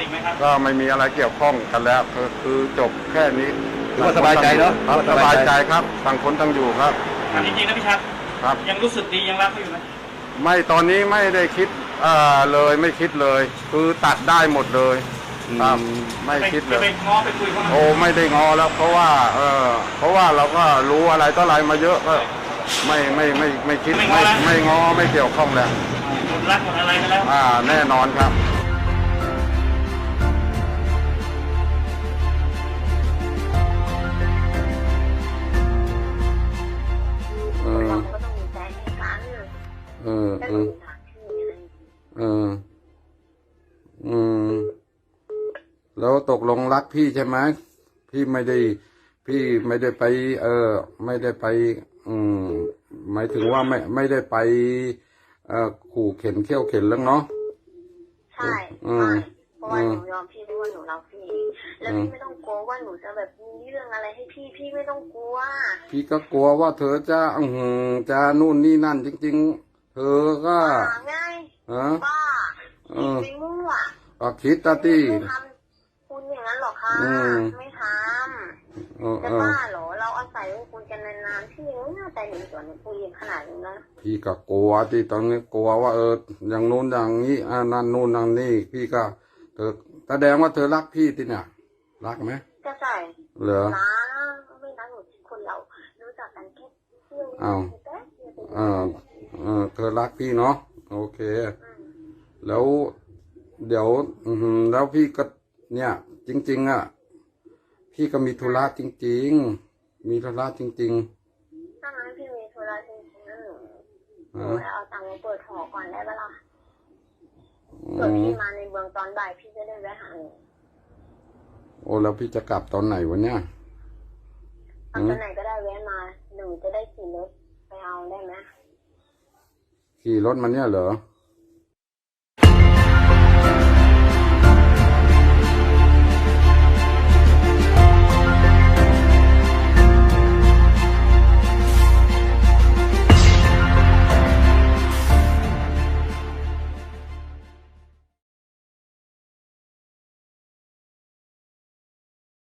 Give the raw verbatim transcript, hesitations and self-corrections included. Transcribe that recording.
ไหมครับก็ไม่มีอะไรเกี่ยวข้องกันแล้วคือคือจบแค่นี้ถือว่าสบายใจเนาะครับสบายใจครับต่างคนต่างอยู่ครับถามจริงๆนะพี่ชัดครับยังรู้สึกดียังรักเขาอยู่ไหมไม่ตอนนี้ไม่ได้คิดอ่าเลยไม่คิดเลย คือตัดได้หมดเลยครับไม่คิดเลยไปง้อไปคุยเขาโอ้ไม่ได้งอแล้วเพราะว่าเออเพราะว่าเราก็รู้อะไรต่ออะไรมาเยอะก็ไม่ไม่ไม่ไม่คิดไม่ไม่งอไม่เกี่ยวข้องแล้วหมดรักหมดอะไรกันแล้วอ่าแน่นอนครับเราก็ต้องมีใจให้กันเออเออเอออืมแล้วตกลงรักพี่ใช่ไหมพี่ไม่ได้พี่ไม่ได้ไป เออไม่ได้ไป อืมหมายถึงว่าไม่ไม่ได้ไปเอ่อขู่เข็นเขี้ยวเข็นแล้วเนาะใช่ใช่เพราะว่าหนูยอมพี่เพราะว่าหนูรักพี่แล้วพี่ไม่ต้องกลัวว่าหนูจะแบบมีเรื่องอะไรให้พี่พี่ไม่ต้องกลัวพี่ก็กลัวว่าเธอจะอืมจะนู่นนี่นั่นจริงๆเธอก็ไงฮะบ้าคิดไปมั่วก็คิดตาตี้ทำคุณอย่างนั้นหรอคะไม่ทำจะบ้าเหรอเราอาศัยคุยกันนานๆพี่ยังน่าใจหนึ่งส่วนคุยขนาดนี้นะพี่ก็กลัวที่ตอนนี้กลัวว่าเอออย่างนู้นอย่างนี้อ่านั่นนู่นนั่นนี่พี่ก็เธอแสดงว่าเธอรักพี่ที่เนี่ยรักไหมก็ใช่เหรอนะไม่นะหนูคนเรารู้จักกันแค่เที่ยวอ้าวอ่าเออเธอรักพี่เนาะโอเคแล้วเดี๋ยวอืมแล้วพี่ก็เนี่ยจริงๆอ่ะพี่ก็มีธุระจริงๆมีธุระจริงๆถ้างั้นพี่มีธุระจริงๆนะหนูหนูเอาตังค์มาเปิดหอก่อนได้ปะล่ะเกิดพี่มาในเมืองตอนบ่ายพี่จะได้แวะหาหนูโอ้แล้วพี่จะกลับตอนไหนวะเนี่ยตอนไหนก็ได้แวะมาหนูจะได้ขี่รถไปเอาได้ไหมขี่รถมาเนี่ยเหรอ